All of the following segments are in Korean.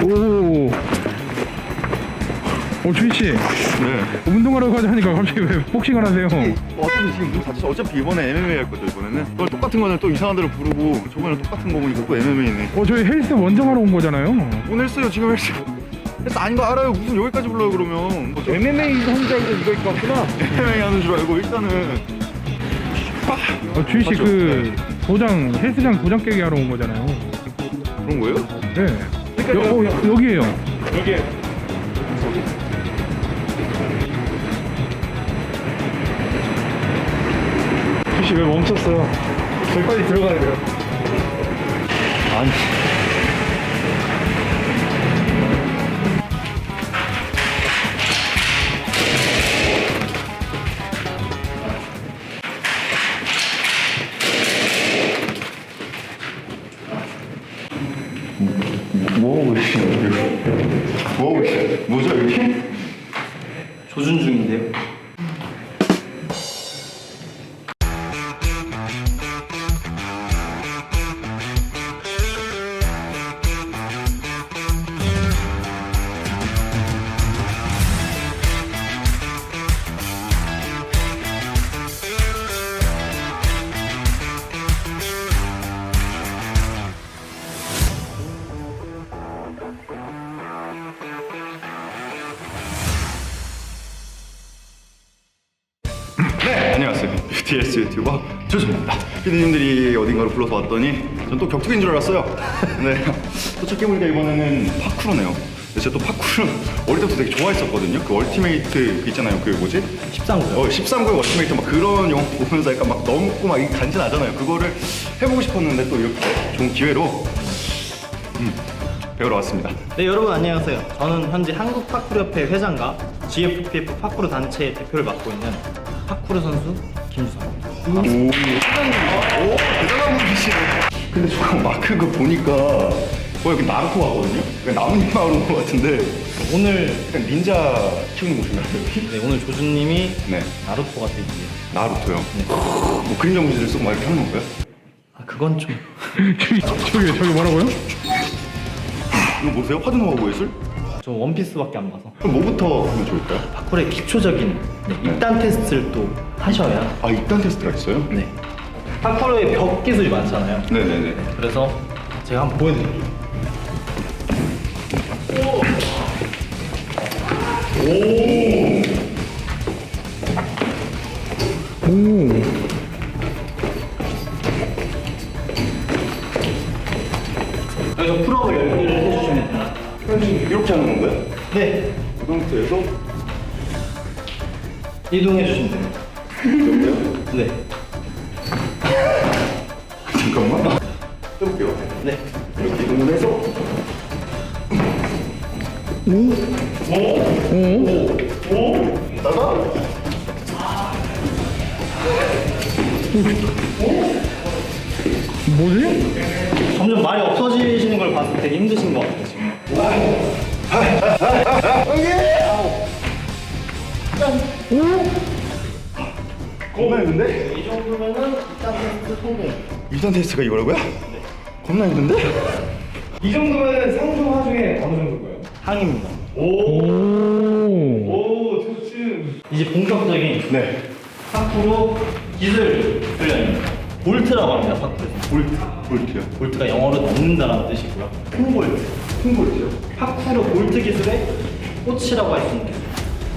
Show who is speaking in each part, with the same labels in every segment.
Speaker 1: 오. 주희씨.
Speaker 2: 네.
Speaker 1: 운동하러 가자 하니까 갑자기 왜 복싱을 하세요?
Speaker 2: 어차피 지금 뭐 다쳐서 어차피 이번에 MMA 할 거죠 이번에는. 그걸 똑같은 거는 또 이상한 데로 부르고 저번에 똑같은 거 보니까 또 MMA네.
Speaker 1: 저희 헬스 원정하러 온 거잖아요.
Speaker 2: 오늘 헬스요 지금 헬스. 헬스 아닌 거 알아요. 무슨 여기까지 불러요 그러면. MMA 하는 줄 알고 이거 입고 왔구나. MMA 하는 줄 알고 일단은.
Speaker 1: 주희씨 그 도장 헬스장 도장 깨기 하러 온 거잖아요.
Speaker 2: 그런 거예요?
Speaker 1: 네. 여기에요.
Speaker 2: 여기.
Speaker 1: 주희씨 왜 멈췄어요? 저희 빨리 들어가야 돼요.
Speaker 2: 아니. 뭐 하고 계시는데요? 뭐 하고 계세요? 뭐죠 여기?
Speaker 3: 조준 중인데요.
Speaker 2: 네, 안녕하세요. BTS 유튜버 조준입니다. 피디님들이 어딘가로 불러서 왔더니 전 또 격투기인 줄 알았어요. 네, 도착해보니까 이번에는 파쿠르네요. 근데 제가 또 파쿠르 어릴 때부터 되게 좋아했었거든요. 그 얼티메이트 그 있잖아요. 그 뭐지?
Speaker 3: 13구요.
Speaker 2: 13구의 얼티메이트 막 그런 영화 보면서 약간 막 넘고 막 간지나잖아요. 그거를 해보고 싶었는데 또 이렇게 좋은 기회로 배우러 왔습니다.
Speaker 3: 네, 여러분 안녕하세요. 저는 현재 한국파쿠르협회 회장과 GFPF 파쿠르 단체의 대표를 맡고 있는 파쿠르 선수 김주성입니다.
Speaker 2: 오, 대단한 분이시네. 근데 저 마크 그 보니까 여기 나루토 하거든요? 나뭇잎 마을 온것 같은데
Speaker 3: 오늘
Speaker 2: 약간 닌자 키우는 곳인가요?
Speaker 3: 네, 오늘 조준님이
Speaker 2: 네.
Speaker 3: 나루토가 되기에
Speaker 2: 나루토요? 뭐 그림자 무지를 쓰고 막 이렇게 하는 건가요?
Speaker 3: 그건 좀
Speaker 1: 저기 뭐라고요?
Speaker 2: 이거 보세요? 화두 나오고 예술?
Speaker 3: 저 원피스밖에 안 봐서
Speaker 2: 그럼 뭐부터 하면 좋을까요?
Speaker 3: 파쿠르의 기초적인 입단 테스트를 또 하셔야
Speaker 2: 아, 입단 테스트가 있어요?
Speaker 3: 네. 파쿠르의 벽 기술이 많잖아요.
Speaker 2: 네네네.
Speaker 3: 그래서 제가 한번 보여드릴게요. 여기서 풀업을 10개를 해주시면 됩니다.
Speaker 2: 이렇게 하는 건가요?
Speaker 3: 네,
Speaker 2: 그 상태에서
Speaker 3: 이동해 주시면 됩니다.
Speaker 2: 이렇게요?
Speaker 3: 네,
Speaker 2: 잠깐만. 해볼게요.
Speaker 3: 네.
Speaker 2: 이렇게 이동을 해서 있다가
Speaker 1: 뭐지?
Speaker 3: 점점 말이 없어지시는 걸 봤을 때 되게 힘드신 것 같아요, 지금.
Speaker 2: 겁나 힘든데?
Speaker 3: 이 정도면은 입단 테스트 성공.
Speaker 2: 입단 테스트가 이거라고요? 겁나 힘든데?
Speaker 4: 이 정도면 상중 하중에 어느 정도고요?
Speaker 3: 항입니다.
Speaker 4: 오, 좋지.
Speaker 3: 이제 본격적인
Speaker 2: 네.
Speaker 3: 파쿠르 기술 훈련입니다. 볼트라고 합니다, 파쿠르에서.
Speaker 2: 볼트요.
Speaker 3: 볼트가 영어로 넣는다라는 뜻이고요. 큰 볼트.
Speaker 2: 큰 볼트요?
Speaker 3: 파쿠르 볼트 기술의 꽃이라고 할 수 있는 기술.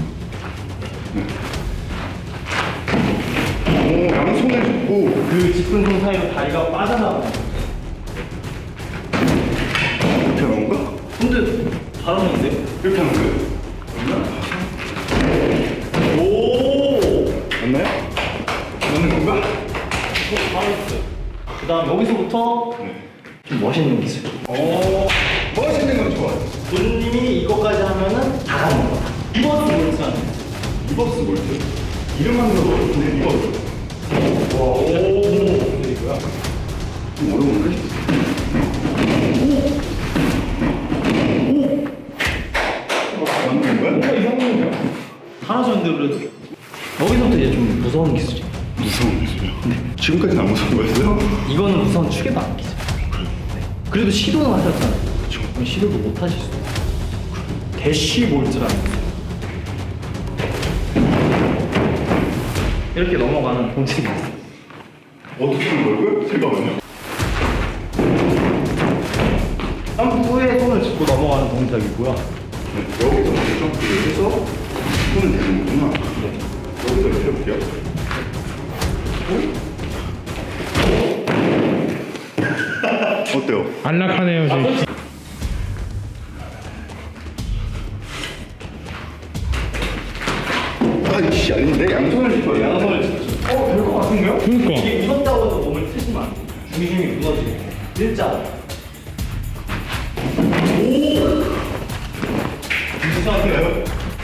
Speaker 2: 오, 양손을 잡고
Speaker 3: 그 짚은 손 사이로 다리가 빠져나가는.
Speaker 2: 이렇게 하는 건가?
Speaker 3: 근데 잘하는데요?
Speaker 2: 이렇게 하는 거예요?
Speaker 3: 오!
Speaker 2: 맞나요? 맞는 건가?
Speaker 3: 잘했어요. 그 다음 여기서부터 좀 멋있는 기술.
Speaker 2: 멋있는 건 좋아요.
Speaker 3: 조준님이 이거까지 하면은 다 가는 거다. 리버스 볼트 하는 거.
Speaker 2: 리버스 볼트. 이름만 들어도 좋은데 리버스. 좀 어려운데? 맞는 건가요?
Speaker 3: 잘하셨는데 그래도 여기서부터 이제 좀 무서운 기술이에요.
Speaker 2: 무서운 기술이요? 지금까지는 안 무서운 거였어요?
Speaker 3: 이거는 우선 축에도 안 끼죠. 네. 그래도 시도는 하셨잖아요. 그럼 시도도 못 하실 수 있어요. 대쉬볼트라는 게 있어요. 이렇게 넘어가는 동작이 있어요.
Speaker 2: 어떻게 하는 거고요? 잠깐만요.
Speaker 3: 점프에 손을 짚고 넘어가는 동작이고요.
Speaker 2: 네, 여기서 점프를 해서 손을 대는 거구나. 네. 여기서 이렇게 해볼게요. 어때요?
Speaker 1: 안락하네요 지금.
Speaker 2: 아이씨 아닌데 양손을 짚어요. 양손을 짚어.
Speaker 3: 될것 같은데요?
Speaker 1: 그러니까.
Speaker 3: 이게 무섭다고 해서 몸을 트시면 안 돼요. 중심이 무너지고. 일자.
Speaker 2: 이상하네요.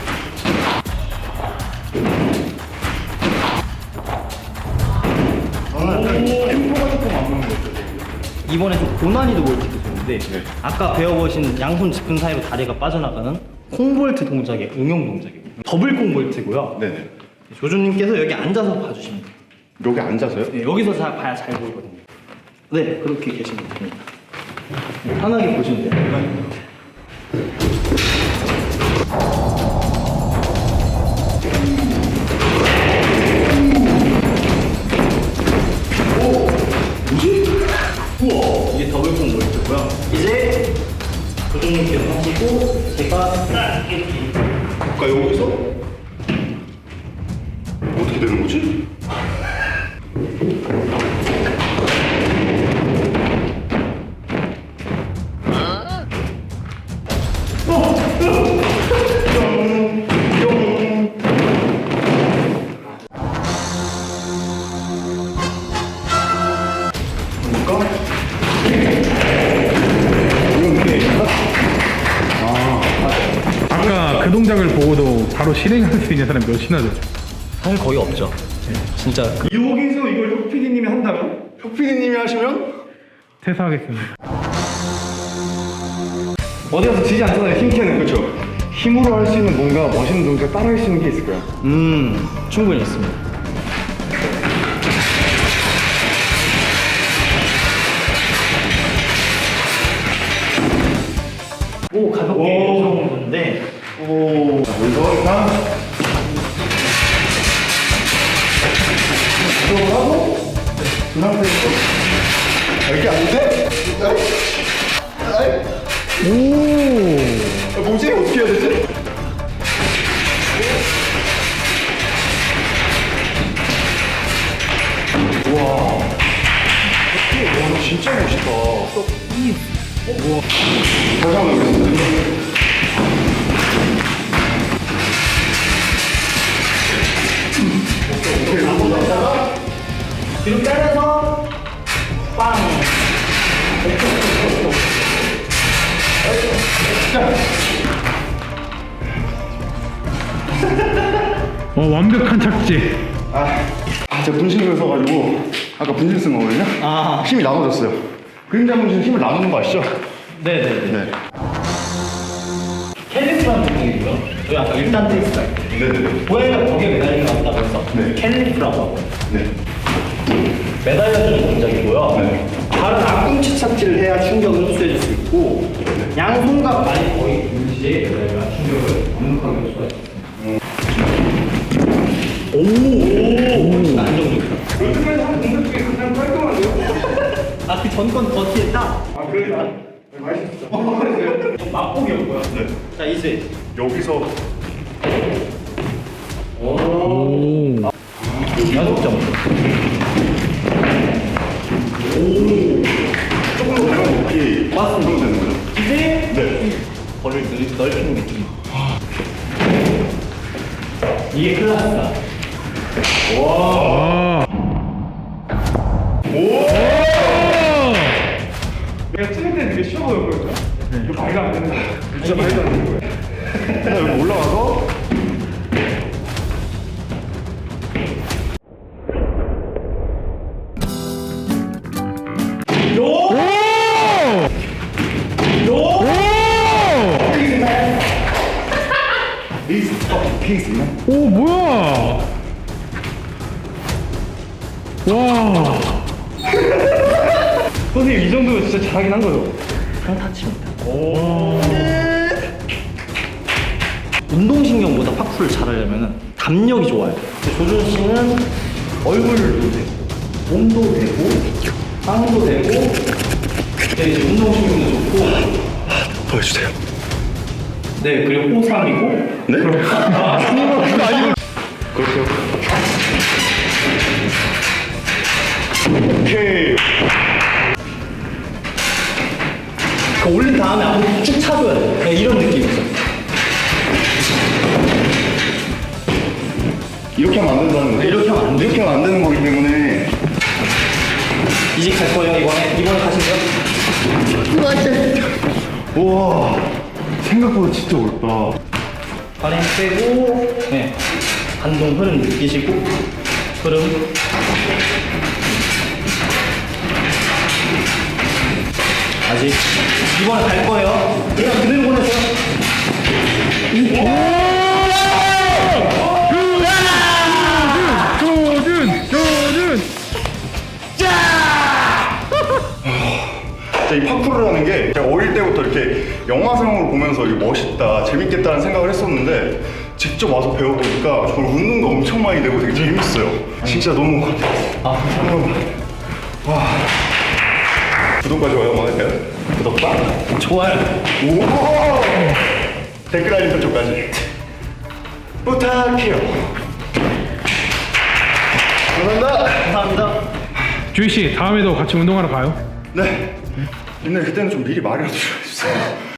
Speaker 2: 저는 템포가 조금 안 맞는 것 같아요.
Speaker 3: 이번에 좀 고난이도 볼트 기술인데
Speaker 2: 네.
Speaker 3: 아까 배워보신 양손 짚은 사이로 다리가 빠져나가는 콩볼트 동작의 응용 동작입니다. 더블 콩볼트고요.
Speaker 2: 네네.
Speaker 3: 조조님께서 여기 앉아서 봐주시면 돼요.
Speaker 2: 여기 앉아서요?
Speaker 3: 네, 여기서 잘 봐야 잘 보이거든요. 네, 그렇게 계시면 됩니다. 편하게 보시면 돼요. 이게 더블 콩볼트고요. 이제 조조님께서 하시고 제가 딱 이렇게
Speaker 2: 아까 여기서 어떻게 되는 거지?
Speaker 1: 아까 그 동작을 보고도 바로 실행할 수 있는 사람이 몇이나 되죠?
Speaker 3: 사실 거의 없죠. 진짜
Speaker 4: 여기서 이걸 혁 PD님이 한다면?
Speaker 2: 혁PD님이 하시면
Speaker 1: 퇴사하겠습니다.
Speaker 4: 어디 가서 지지 않잖아요, 힘캐는.
Speaker 2: 그렇죠. 힘으로 할 수 있는 뭔가 멋있는 동작 따라 할 수 있는 게 있을까요?
Speaker 3: 충분히 있습니다. 오 가볍게 해주는 건데
Speaker 2: 오. 자, 여기서 일단 들어가고 그 상태에서 이렇게 아닌데?
Speaker 1: 오.
Speaker 2: 뭐지? 어떻게 해야 되지? 와. 와, 진짜 멋있다. 우와. 다시 한번 해보겠습니다.
Speaker 3: 뒤로 빼면서 빵.
Speaker 1: 완벽한 착지.
Speaker 2: 제가 분신을 써가지고 아까 분신 쓴 거거든요.
Speaker 3: 아.
Speaker 2: 힘이 나눠졌어요. 그림자 분신 힘을 나누는 거 아시죠?
Speaker 3: 네네네.
Speaker 2: 네.
Speaker 3: 캘리프라는 동작이고요. 저희 아까 1단 테이스가
Speaker 2: 네네네.
Speaker 3: 고양이가 벽에 매달리는 것 같다고 해서
Speaker 2: 네.
Speaker 3: 캘리프라고 하고
Speaker 2: 네.
Speaker 3: 매달려주는 동작이고요.
Speaker 2: 네.
Speaker 3: 발은 앞꿈치 착지를 해야 충격을 흡수해줄 수 있고 양손과 발이 거의 동시에 매달려야 충격을 완벽하게 흡수할 수 있습니다. 오, 훨씬 안정적이다.
Speaker 4: 요즘에 한 동작 중에 가장 깔끔한데요?
Speaker 3: 아, 그 전건 버티에 딱
Speaker 4: 아, 그러니까. 맛있었어.
Speaker 3: 맛보기였고요.
Speaker 2: 네.
Speaker 3: 자, 이제
Speaker 2: 여기서
Speaker 1: 오.
Speaker 3: 야속점.
Speaker 2: 조금 더 배가 높이
Speaker 3: 맞습니다.
Speaker 2: 되는 거죠?
Speaker 3: 이제
Speaker 2: 네.
Speaker 3: 벌을 넓히는 느낌. 이게 클라스다.
Speaker 1: 아.
Speaker 4: 내가 찍을 때 되게 쉬워 보였거든요. 이거 말도 안 되는 거예요. 진짜 말도 안 되는 거예요.
Speaker 2: 자, 여기 올라가서 페이스만
Speaker 1: 오 뭐야? 와.
Speaker 4: 선생님, 이 정도면 진짜 잘하긴 한 거죠?
Speaker 3: 평타칩니다.
Speaker 1: 와.
Speaker 3: 운동신경보다 파쿠르를 잘하려면 담력이 좋아야 돼요. 조준 씨는 얼굴도 되고, 몸도 되고, 상도 되고, 네, 이제 운동신경도 좋고,
Speaker 2: 보여주세요.
Speaker 3: 네, 그리고 호삼이고,
Speaker 2: 네? 그렇게요. 오케이.
Speaker 3: 그 올린 다음에 앞으로 쭉 차줘야 돼. 네, 이런 느낌이죠.
Speaker 2: 이렇게 하면 안 된다는 거죠?
Speaker 3: 네, 이렇게 하면 안 돼.
Speaker 2: 이렇게 하면 안 되는 거기 때문에.
Speaker 3: 이제 갈 거예요, 이번에 가시죠.
Speaker 2: 우와, 생각보다 진짜 어렵다.
Speaker 3: 발에 빼고, 네. 반동 흐름 느끼시고, 흐름. 아직. 이번에 갈 거예요. 그냥 그대로 보내세요.
Speaker 1: 조준!
Speaker 2: 진짜 이 파쿠르라는 게 제가 어릴 때부터 이렇게 영화상으로 보면서 이게 멋있다, 재밌겠다는 생각을 했었는데 직접 와서 배워보니까 정말 운동도 엄청 많이 되고 되게 재밌어요. 진짜 너무 와. 구독과 좋아요 한번 할까요? 구독과
Speaker 3: 좋아요.
Speaker 2: 오! 댓글 알림 설정까지 부탁해요. 감사합니다.
Speaker 3: 감사합니다.
Speaker 1: 주희 씨, 다음에도 같이 운동하러 가요?
Speaker 2: 네. 근데 그때는 좀 미리 말이라도 좀 해주세요.